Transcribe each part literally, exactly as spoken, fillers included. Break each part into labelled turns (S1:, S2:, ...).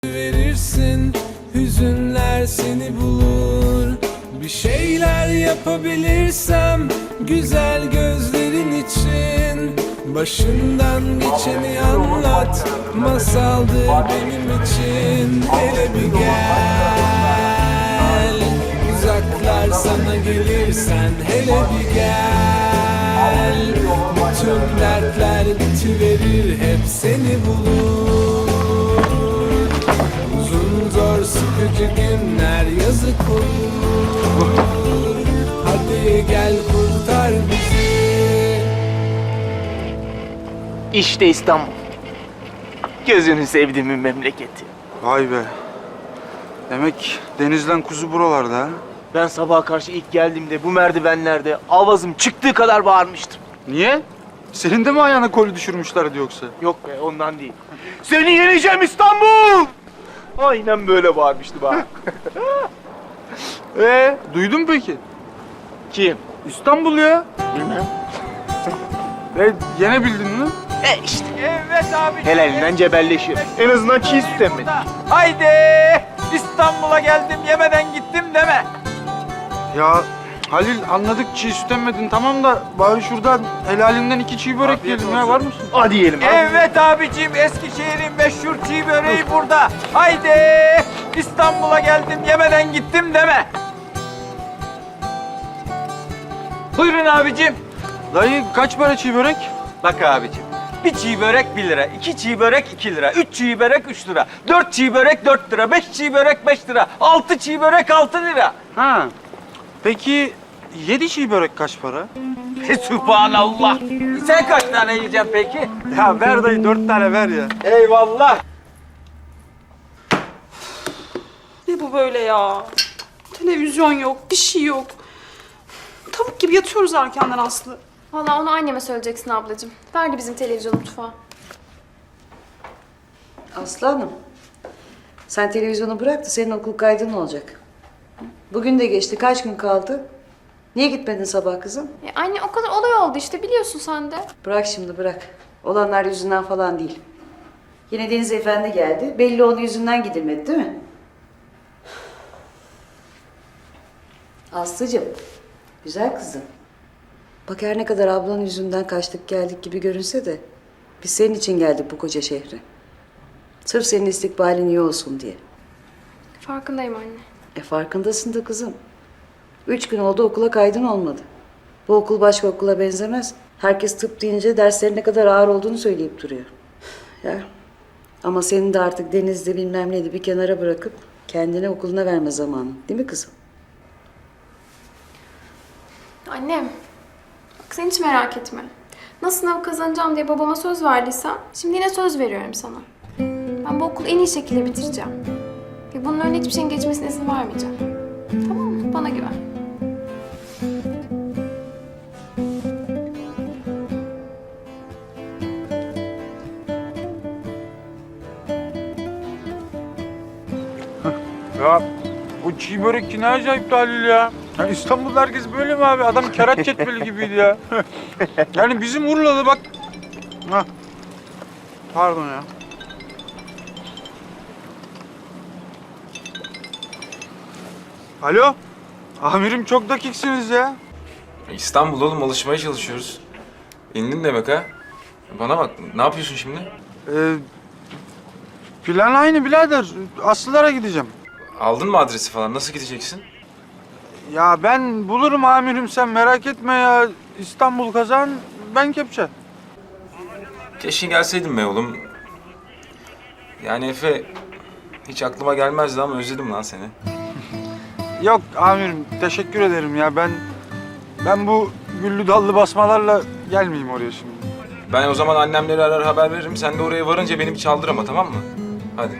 S1: Verirsin, hüzünler seni bulur. Bir şeyler yapabilirsem güzel gözlerin için. Başından geçeni anlat, masaldır benim için. Hele bir gel, uzaklar sana gelirsen. Hele bir gel, bütün dertler bitiverir, hep seni bulur. Uzun zor sıkıcı günler yazık olur. Hadi gel kurtar bizi.
S2: İşte İstanbul. Gözünü sevdiğimin memleketi.
S3: Vay be. Demek denizden kuzu buralarda ha?
S2: Ben sabaha karşı ilk geldiğimde bu merdivenlerde avazım çıktığı kadar bağırmıştım.
S3: Niye? Senin de mi ayağına koli düşürmüşlerdi yoksa?
S2: Yok be, ondan değil. Seni yeneceğim İstanbul! Aynen böyle bağırmıştım ha.
S3: Ee, duydun mu peki?
S2: Kim?
S3: İstanbul ya.
S2: Bilmem.
S3: E, yenebildin mi?
S2: E işte.
S4: Evet abi.
S2: Helalinden cebelleşir. En azından çiğ süt emmedi.
S4: Haydi İstanbul'a geldim yemeden gittim deme.
S3: Ya Halil, anladık çiğ süt emmedin tamam da bari şuradan helalinden iki çiğ börek yiyelim ya, var mısın?
S2: Hadi yiyelim. Hadi.
S4: Evet abicim, Eskişehir'in meşhur çiğ böreği burada. Haydi İstanbul'a geldim yemeden gittim deme. Buyurun abicim.
S3: Dayı kaç para çiğ börek?
S4: Bak abicim, bir çiğ börek bir lira, iki çiğ börek iki lira, üç çiğ börek üç lira, dört çiğ börek dört lira, beş çiğ börek beş lira, altı çiğ börek altı lira.
S3: Ha. Peki yedi çiğ börek kaç para?
S4: Sübhanallah. Sen kaç tane yiyeceksin peki?
S3: Ya ver dayı, dört tane ver ya.
S4: Eyvallah.
S5: Ne bu böyle ya? Televizyon yok, bir şey yok. Tavuk gibi yatıyoruz erkenden Aslı.
S6: Vallahi onu anneme söyleyeceksin ablacığım. Verdi bizim televizyon mutfağa.
S7: Aslanım, sen televizyonu bırak da senin okul kaydın olacak. Bugün de geçti, kaç gün kaldı? Niye gitmedin sabah kızım?
S6: E anne o kadar olay oldu işte biliyorsun sen de.
S7: Bırak şimdi, bırak. Olanlar yüzünden falan değil. Yine Deniz Efendi geldi, belli onun yüzünden gidilmedi değil mi? Aslıcığım, güzel kızım. Bak her ne kadar ablanın yüzünden kaçtık geldik gibi görünse de... biz senin için geldik bu koca şehre. Sırf senin istikbalin iyi olsun diye.
S6: Farkındayım anne.
S7: E farkındasın da kızım. Üç gün oldu okula kaydın olmadı. Bu okul başka okula benzemez. Herkes tıp deyince derslerin ne kadar ağır olduğunu söyleyip duruyor. Ya ama senin de artık denizde bilmem neydi bir kenara bırakıp... kendine okuluna verme zamanı. Değil mi kızım?
S6: Annem, bak sen hiç merak etme. Nasıl sınav kazanacağım diye babama söz verdiysem şimdi yine söz veriyorum sana. Ben bu okulu en iyi şekilde bitireceğim. Ve bunun önüne hiçbir şeyin geçmesine izin vermeyeceğim. Tamam mı? Bana güven.
S3: Ya bu çiğ börek ne acayip Halil ya. Ya İstanbul'da herkes böyle mi abi? Adam kerat cetveli gibiydi ya. Yani bizim Urla'da bak. Hah. Pardon ya. Alo. Amirim çok dakiksiniz ya.
S8: İstanbul oğlum, alışmaya çalışıyoruz. İndin demek ha? Bana bak, ne yapıyorsun şimdi?
S3: Ee, plan aynı birader. Aslılara gideceğim.
S8: Aldın mı adresi falan? Nasıl gideceksin?
S3: Ya ben bulurum amirim, sen merak etme ya. İstanbul kazan, ben kepçe.
S8: Keşke gelseydin be oğlum. Yani Efe, hiç aklıma gelmezdi ama özledim lan seni.
S3: Yok amirim, teşekkür ederim ya. Ben ben bu güllü dallı basmalarla gelmeyeyim oraya şimdi.
S8: Ben o zaman annemleri arar haber veririm. Sen de oraya varınca beni bir çaldır ama, tamam mı? Hadi.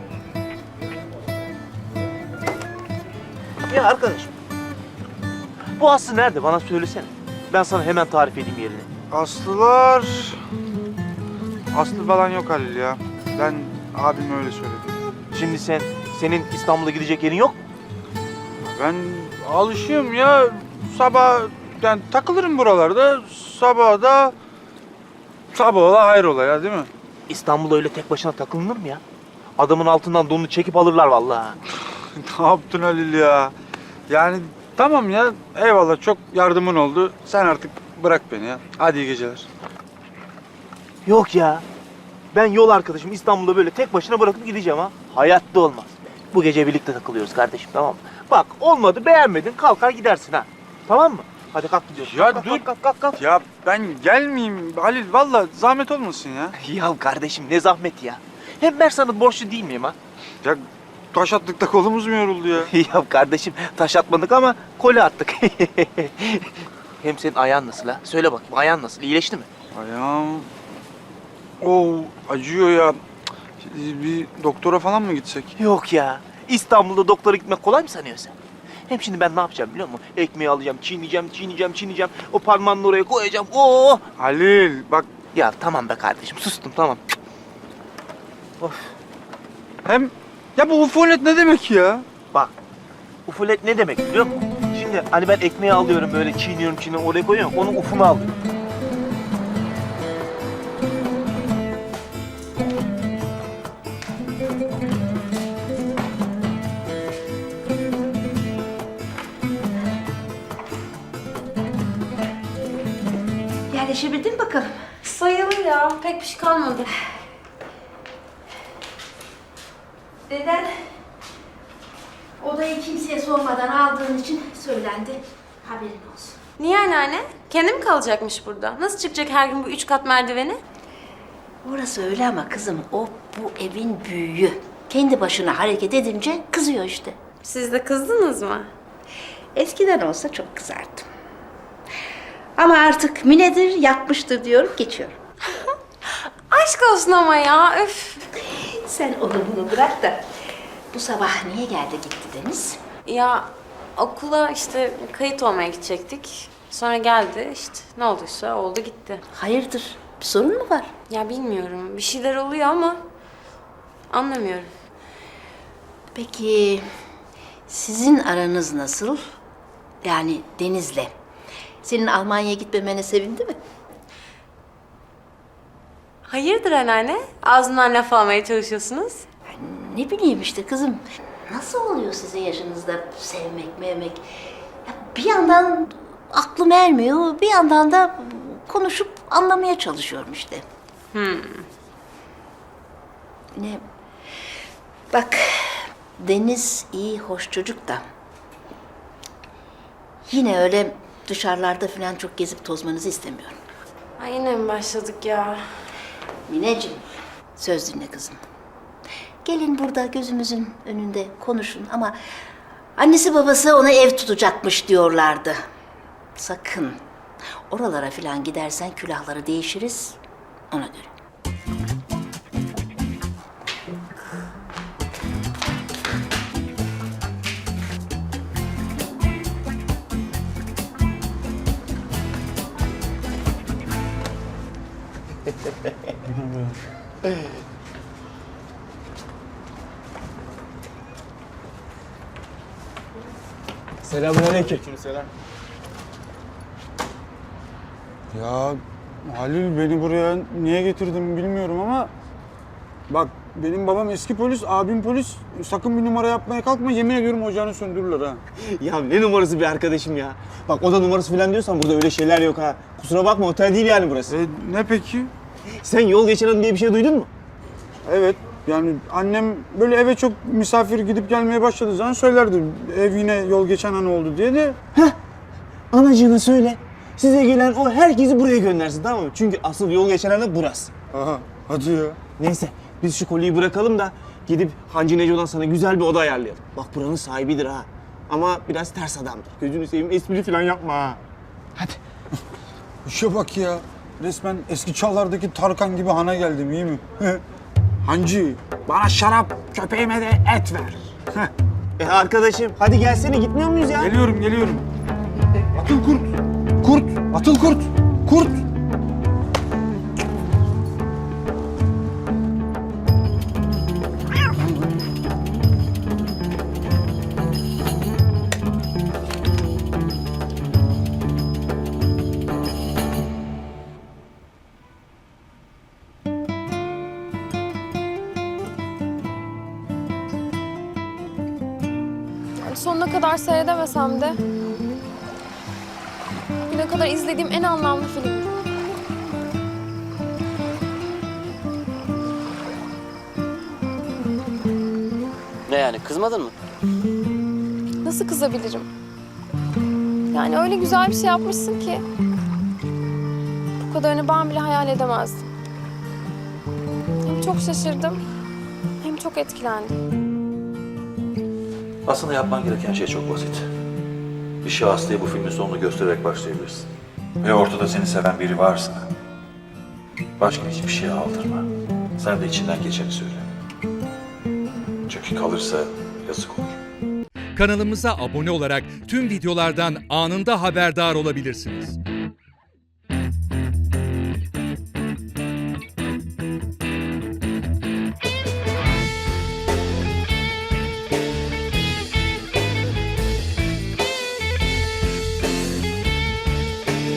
S2: Ya arkadaşım, bu Aslı nerede? Bana söylesene. Ben sana hemen tarif edeyim yerini.
S3: Aslılar... Aslı falan yok Halil ya. Ben abim öyle söyledi.
S2: Şimdi sen, senin İstanbul'a gidecek yerin yok mu?
S3: Ben alışığım ya. Sabah yani takılırım buralarda. Sabah da sabah ola hayrola ya, değil mi?
S2: İstanbul'a öyle tek başına takılınır mı ya? Adamın altından donunu çekip alırlar vallahi.
S3: Ne yaptın Halil ya? Yani tamam ya, eyvallah, çok yardımın oldu. Sen artık bırak beni ya. Hadi iyi geceler.
S2: Yok ya. Ben yol arkadaşım İstanbul'da böyle tek başına bırakıp gideceğim ha. Hayatta olmaz. Bu gece birlikte takılıyoruz kardeşim, tamam mı? Bak olmadı, beğenmedin, kalkar gidersin ha. Tamam mı? Hadi kalk gidiyoruz.
S3: Ya
S2: kalk,
S3: dur.
S2: Kalk, kalk, kalk, kalk.
S3: Ya ben gelmeyeyim Halil, vallahi zahmet olmasın ya.
S2: Ya kardeşim ne zahmet ya. Hem ben sana borçlu değil miyim ha?
S3: Ya taş attıkta kolumuz mu yoruldu ya?
S2: Ya kardeşim taş atmadık ama koli attık. Hem senin ayağın nasıl ha? Söyle bakayım, ayağın nasıl? İyileşti mi?
S3: Ayağım... Oo, acıyor ya. Cık, bir doktora falan mı gitsek?
S2: Yok ya. İstanbul'da doktora gitmek kolay mı sanıyorsun sen? Hem şimdi ben ne yapacağım biliyor musun? Ekmeği alacağım, çiğneyeceğim, çiğneyeceğim, çiğneyeceğim. O parmağını oraya koyacağım. Oo!
S3: Halil bak,
S2: Ya tamam be kardeşim, sustum tamam. Of.
S3: hem... Ya bu ufonet ne demek ya?
S2: Bak, ufulet ne demek biliyor musun? Şimdi hani ben ekmeği alıyorum böyle çiğniyorum, çiğniyorum, oraya koyuyorum. Onun ufunu alıyorum.
S7: Yerleşebildin mi bakalım?
S6: Sayılır ya. Pek bir şey kalmadı.
S9: Deden odayı kimseye sormadan aldığın için söylendi. Haberin olsun.
S6: Niye anneanne? Kendi mi kalacakmış burada? Nasıl çıkacak her gün bu üç kat merdiveni?
S9: Orası öyle ama kızım, o bu evin büyüğü. Kendi başına hareket edince kızıyor işte.
S6: Siz de kızdınız mı?
S9: Eskiden olsa çok kızardım. Ama artık minedir, yapmıştır diyorum, geçiyorum.
S6: Aşk olsun ama ya. Öf.
S9: Sen onu bunu bırak da bu sabah niye geldi gitti Deniz?
S6: Ya okula işte kayıt olmaya gidecektik. Sonra geldi işte ne olduysa oldu gitti.
S9: Hayırdır, bir sorun mu var?
S6: Ya bilmiyorum bir şeyler oluyor ama anlamıyorum.
S9: Peki sizin aranız nasıl? Yani Deniz'le. Senin Almanya'ya gitmemene sevindi mi?
S6: Hayırdır anneanne? Ağzından laf almaya çalışıyorsunuz.
S9: Ne bileyim işte kızım. Nasıl oluyor sizin yaşınızda sevmek, mevmek? Ya bir yandan aklım ermiyor, bir yandan da konuşup anlamaya çalışıyorum işte.
S6: Hmm.
S9: Ne? Bak, Deniz iyi, hoş çocuk da. Yine öyle dışarılarda falan çok gezip tozmanızı istemiyorum.
S6: Ay yine mi başladık ya?
S9: Mineciğim, söz dinle kızım. Gelin burada gözümüzün önünde konuşun ama annesi babası ona ev tutacakmış diyorlardı. Sakın oralara falan gidersen külahları değişiriz ona göre.
S10: Selamünaleyküm.
S3: Ya Halil, beni buraya niye getirdin bilmiyorum ama... Bak, benim babam eski polis, abim polis. Sakın bir numara yapmaya kalkma, yemin ediyorum ocağını söndürürler ha.
S10: Ya ne numarası bir arkadaşım ya. Bak oda numarası falan diyorsan burada öyle şeyler yok ha. Kusura bakma, otel değil yani burası.
S3: E, ne peki?
S10: Sen yol geçen adam diye bir şey duydun mu?
S3: Evet, yani annem böyle eve çok misafir gidip gelmeye başladığı zaman söylerdi. Ev yine yol geçen an oldu diye de.
S10: Anacığına söyle. Size gelen o herkesi buraya göndersin, tamam mı? Çünkü asıl yol geçen adam burası.
S3: Aha, hadi ya.
S10: Neyse biz şu kolyeyi bırakalım da gidip Hancı Neco'dan sana güzel bir oda ayarlayalım. Bak buranın sahibidir ha. Ama biraz ters adamdır. Gözünü seveyim, espri falan yapma ha. Hadi.
S3: İşe bak ya. Resmen eski çağlardaki Tarkan gibi hana geldim, iyi mi? Hancı, bana şarap, köpeğime de et ver.
S10: E arkadaşım hadi gelsene, gitmiyor muyuz ya?
S3: Geliyorum, geliyorum. Atıl kurt. Kurt, atıl kurt. Kurt.
S6: Yani sonuna kadar seyredemesem de bugüne kadar izlediğim en anlamlı film.
S11: Ne yani, kızmadın mı?
S6: Nasıl kızabilirim? Yani öyle güzel bir şey yapmışsın ki bu kadarını ben bile hayal edemezdim. Hem çok şaşırdım hem çok etkilendim.
S12: Aslında yapman gereken şey çok basit. Bir şahıslıya bu filmin sonunu göstererek başlayabilirsin. Ve ortada seni seven biri varsa başka hiçbir şeye aldırma. Sen de içinden geçeni söyle. Çünkü kalırsa yazık olur.
S13: Kanalımıza abone olarak tüm videolardan anında haberdar olabilirsiniz.